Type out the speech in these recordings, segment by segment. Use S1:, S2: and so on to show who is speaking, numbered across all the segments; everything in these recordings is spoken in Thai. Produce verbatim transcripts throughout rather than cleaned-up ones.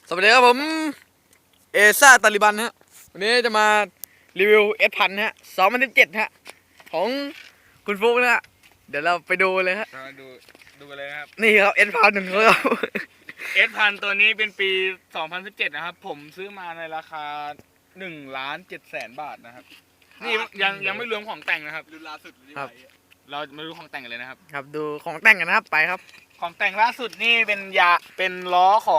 S1: สวัสดีครับผมเอซ่าตาลิบันฮะวันนี้จะมารีวิวเอสพันฮะสองพันสิบเจ็ดฮะของคุณฟุกนะฮะเดี๋ยวเราไปดูเลยฮะ
S2: มาดูดูกันเลยนะครับ
S1: นี่ครับเอสพันหนึ่งครับ
S2: เอสพันตัวนี้เป็นปีสองพันสิบเจ็ดนะครับผมซื้อมาในราคาหนึ่งล้านเจ็ดแสนบาทนะครับนี่ยังยังไม่รวมของแต่งนะครับรุ่นล่าสุดครับเรามาดูของแต่งกันเลยนะครับ
S1: ครับดูของแต่งกันนะครับไปครับ
S2: ของแต่งล่าสุดนี่เป็นยาเป็นล้อของ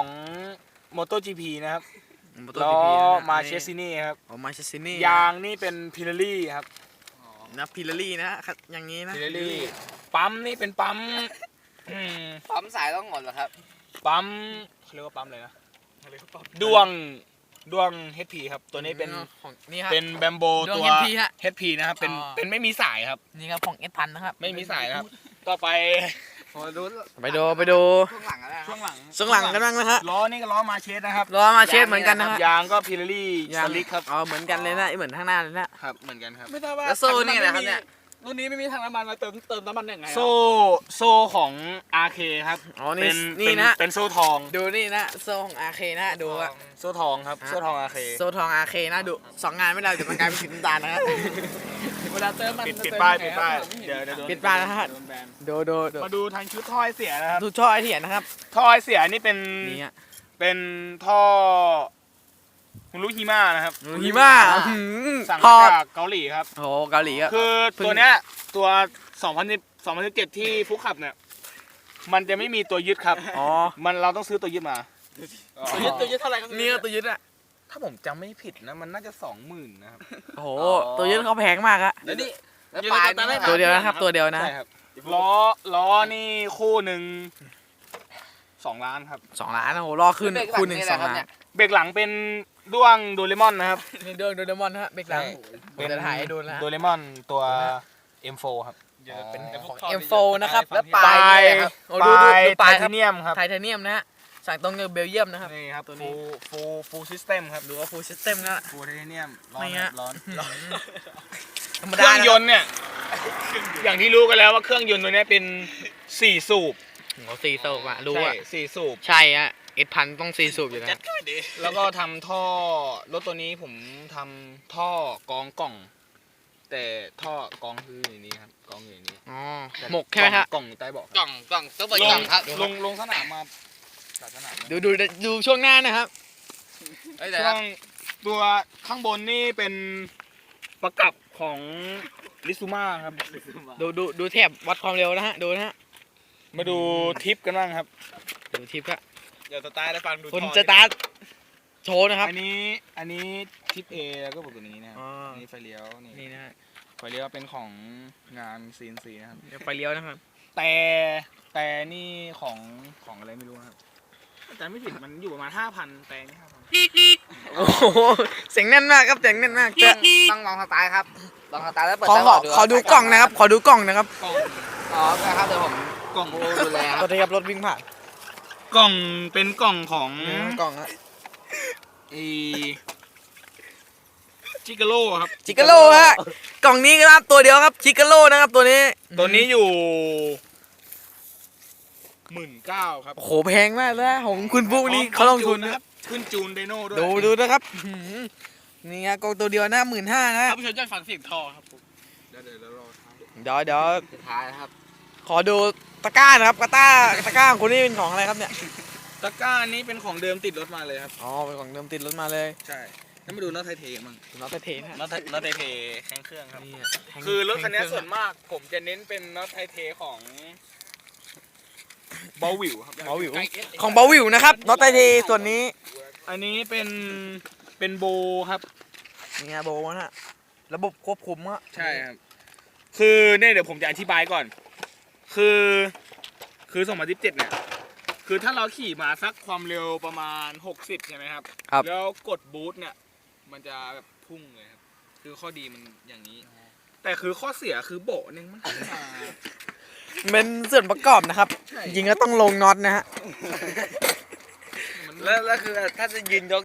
S2: MotoGP นะครับล้อมาเชสซินี่ครับ
S1: อ๋อมาเชสซินี่
S2: ยางนี่เป็นพิลลี่ครับ
S1: นะพิลลี่นะฮะอย่างนี้นะ
S2: พิลลี่ปั๊มนี่เป็นปั๊มอืม
S3: ปั๊มสายต้องหมดเหรอครับ
S2: ปั๊มเขาเรียกว่าปั๊มอะไรนะดวงดวง เอช พี ครับตัวนี้เป็น
S1: ของนี่ฮะ
S2: เป็นแบมโบ
S1: ดวง
S2: ตัว
S1: เอช พี ฮะ
S2: เอช พี นะครับเป็น
S1: อ๋อ
S2: เป็นไม่มีสายครับ
S1: นี่ครับของเอสพันนะครับ
S2: ไม่มีสายนะครับต่อไป
S3: ดู
S1: ไปดูไปดู
S3: ช่วงหลังอะไร
S2: ช่วงหลัง
S1: ช่วงหลังกันบ้างนะฮะ
S2: ล้อนี่ก็ล้อมาเชสนะครับ
S1: ล้อมาเชสเหมือนกันนะฮะ
S2: ยางก็พิลลี่สลิกครับ
S1: อ๋อเหมือนกันเลยนะเหมือนข้างหน้าเลยนะครับ
S2: เหมือนกันครับ
S3: ไม่ทราบว่า
S1: แล้วโซ่นี่อะไรครับเนี่ย
S3: รุ่นนี้ไม่มีถังน้ำมันมาเติมเติมน้ำมันยังไง
S2: โซ่โซ่ของ อาร์ เค ครับ
S1: อ๋อนี่
S2: เป็น
S1: นี่
S2: เป็น
S1: นะ
S2: เป็นโซ่ทอง
S1: ดูนี่นะโซ่ของอาร์เคนะดูอะ
S2: โซ่ทองครับโซ่ทอง อาร์ เค
S1: โซ่ทองอาร์เคนะดูสองงานไม่ได้เดี๋ยวมันกลายเป็นสีน้ำตาลนะครับ
S3: เวลาเติมมัน
S2: ปิดปิดป้ายปิดป้ายเดี๋ยวเดี๋ยวโดน
S1: ปิดป้ายนะฮะ
S2: โดนแบน
S1: ดูดูดู
S2: มาดูทางชุดท่อไอเสียนะครับ
S1: ดูช่อไอเถียนนะครับ
S2: ท่อไอเสียนี่เป็น
S1: นี่ฮะ
S2: เป็นท่อฮุรุฮิมานะครับ
S1: หิมะ
S2: สั่ง
S1: ท
S2: มา
S1: อด
S2: จากเกาหลีครับ
S1: โอ้โหเกาหลีอะ
S2: คือ
S1: เพิ่ง
S2: ตัวเนี้ยตัวสองพันสิบ สองพันสิบเจ็ดที่ฟุกขับเนี่ยมันจะไม่มีตัวยึดครับ
S1: อ๋อ
S2: มันเราต้องซื้อตัวยึดมา
S3: ตัวยึดตัวยึดเท่าไหร่ครับ
S1: นี่ก็ตัวยึดอะ
S2: ถ้าผมจำไม่ผิดนะมันน่าจะสองหมื่นนะครับ
S1: โอ้โหตัวยึดเขาแพงมากอะ
S3: แล้วนี่แล้ว
S2: ยึด
S3: ปลาย
S2: ตัวนั้น
S1: ตัวเดียวนะครับตัวเดียวนะ
S2: ใช่ครับล้อล้อนี่คู่หนึ่งสองล้านครับ
S1: สองล้านโอ้โหรอขึ้นคูณหนึ่งสองล้าน
S2: เบรกหลังเป็นด้วงโดเรมอนนะครับ
S1: นี่เดินโดเรมอนฮะเบรกหลัง
S2: เป็น
S1: จะถ่ายให้ดูนะฮะ
S2: โดเรมอนตัว เอ็ม โฟร์ ครับ
S1: เป็น
S2: อ๋อ
S1: ของ เอ็ม โฟร์ นะครับ
S3: แล้วป
S2: ป
S3: ลา
S2: ลาย ย
S3: เนี่ยครับ
S1: โอ้
S2: ป
S1: ดู
S2: ลา
S1: ดู
S2: ย
S1: ดูป
S2: ไท
S1: ลายค
S2: เท
S1: รับ
S2: เนียมครับ
S1: ไทเทเนียมนะฮะสั่งตรงจากเบลเยียมนะครับ
S2: นี่ครับ
S1: ตัวนี้
S2: ฟูฟูฟูซิสเต็มครับ
S1: ดูว่าฟูลซิสเต็มนะ
S2: ฟูไทเทเนียมร้อ
S1: ไม่
S2: น
S1: ฮะ
S2: ร้อนร้อน
S1: ธรรม
S2: เค
S1: ดา
S2: รื่องยนต์เนี่ย อย่างที่รู้กันแล้วว่าเครื่องยนต์ตัวเนี้ยเป็นสี่สูบ
S1: โอ้โหสี่สูบอะรู้
S2: ใช่
S1: อะ
S2: สี่สูบ
S1: ใช่ฮะเอ็ดพันต้องสี่สูบอยู่นะ
S2: แล้วก็ทำท่อรถตัวนี้ผมทำท่อกองกล่อง แต่ท่อกองคืออย่างนี้ครับกองอยู่อย่างนี้
S1: อ๋อหมกใช่ไหมครับ
S2: กล่องอยู่ใต้เบาะ
S3: กล่องกล่องซุปเปอร์
S2: ล
S3: กล่อง งครับ
S2: ลงลงสนามมาจากสนามมา
S1: ดูดูดูช่วงหน้านะครับ
S3: เอ้ยเดี๋ยว
S2: ช่ว
S3: นะ
S2: งตัวข้างบนนี่เป็นประกับของลิซูมาครับ
S1: ดูดูดูแถบวัดความเร็วนะฮะดูนะฮะ
S2: มาดูทิปกันบ้างครับ
S1: ดูทิปอะ
S3: เดี๋ยวสตาร์ทได้ฟังดู
S1: คุณ
S3: ท่อ
S1: จะตาร์ทโชว์นะครับ
S2: อันนี้อันนี้ทิป A แล้วก็แบบนี้นะครับ
S1: อ๋ออั
S2: อันนี้ไฟเลี้ยวนี่
S1: นี่นะฮะ
S2: ไฟเลี้ยวเป็นของงาน ซี เอ็น ซี นะครับ
S1: เดี๋ยวไฟเลี้ยวนะครับ
S2: แต่แต่นี่ของของอะไรไม่รู้นะครับอาจารย์ไม่ผิดมันอยู่ประมาณห้าพันแต่นี่ห้าพัน
S1: โอ้โหเสียงแน่นมากครับเสียงแน่นมากจะ
S3: ต้องลองสตาร์ทครับลองสตาร์ทแล้วเปิด
S1: ขอ
S3: ไฟ
S1: ขอ
S3: ดู
S1: ขอดูกล่องนะครับ ขอดูกล่องนะครับ
S2: กล่อง
S3: อ๋อครับเดี๋ยวผม
S2: กล่อง
S3: ดูแลค
S1: ตั
S3: รั
S1: ว
S3: บ
S1: ที่ครับรถวิ่งผ่าน
S2: กล่องเป็นกล่องของ
S1: กล่องอะ
S2: อีจิกาโร่ครับ
S1: ชิคาโลฮะกล่องนี้ครับตัวเดียวครับชิคาโลนะครับตัวนี้
S2: ตัวนี้อยู่หมื่นเก้าครับ
S1: โอ้โหแพงมากเลยนะของคุณฟุกนี่เขาลงทุนนะครับ
S2: ขึ้นจูนไดโน่ด้วย
S1: ดูดูนะครับอื้อหือนี่ฮะกล่องตัวเดียวนะหมื่นห้านะ
S3: ท่านผู้ชมจะฟังเสียงท่อครับผม
S2: เดี๋ยวเดี๋ยวรอท้าย
S1: เดี๋ยวเดี๋ยว
S3: สุดท้ายนะครับ
S1: ขอดูตะกร้านะครับตะกร้าตะกร้าของคุณนี่เป็นของอะไรครับเนี่ย
S2: ตะกร้าอันนี้เป็นของเดิมติดรถมาเลยครับ
S1: อ๋อเป็นของเดิมติดรถมาเลย
S2: ใช่แล้วมาดูน็อตไทเทมั่ง
S1: น็อตเทนฮะ
S2: น็อตน็อตไทเทแข้งเครื่องครับ
S1: นี่ฮะแทง
S2: คือรถคันนี้
S1: แทงเค
S2: ส่
S1: รื่
S2: ว
S1: อน ง
S2: มากผมจะเน้นเป็นน็อตไทเทของเบลวิวครับ
S1: เบาวิวของเบาวิวนะครับน็อตเทนส่วนนี้
S2: อันนี้เป็นเป็นโบครับ
S1: นี่ฮะโบนะฮะระบบควบคุมอะ
S2: ใช่ครับ คือเนี่ยเดี๋ยวผมจะอธิบายก่อน คือคือสองพันสิบเจ็ดเนี่ย คือถ้าเราขี่มาสักความเร็วประมาณหกสิบใช่ไหมครับ
S1: ครับ
S2: แล้วกดบูทเนี่ย มันจะแบบพุ่งเลยครับ คือข้อดีมันอย่างนี้ แต่คือข้อเสียคือโบะเนี่ยมันขึ้นมา
S1: เป็นส่วนประกอบนะครับ
S2: ใช่
S1: จริงก็ต้องลงน็อตนะฮะ
S2: มัน
S3: แล้วแล้วคือถ้าจะยืนยก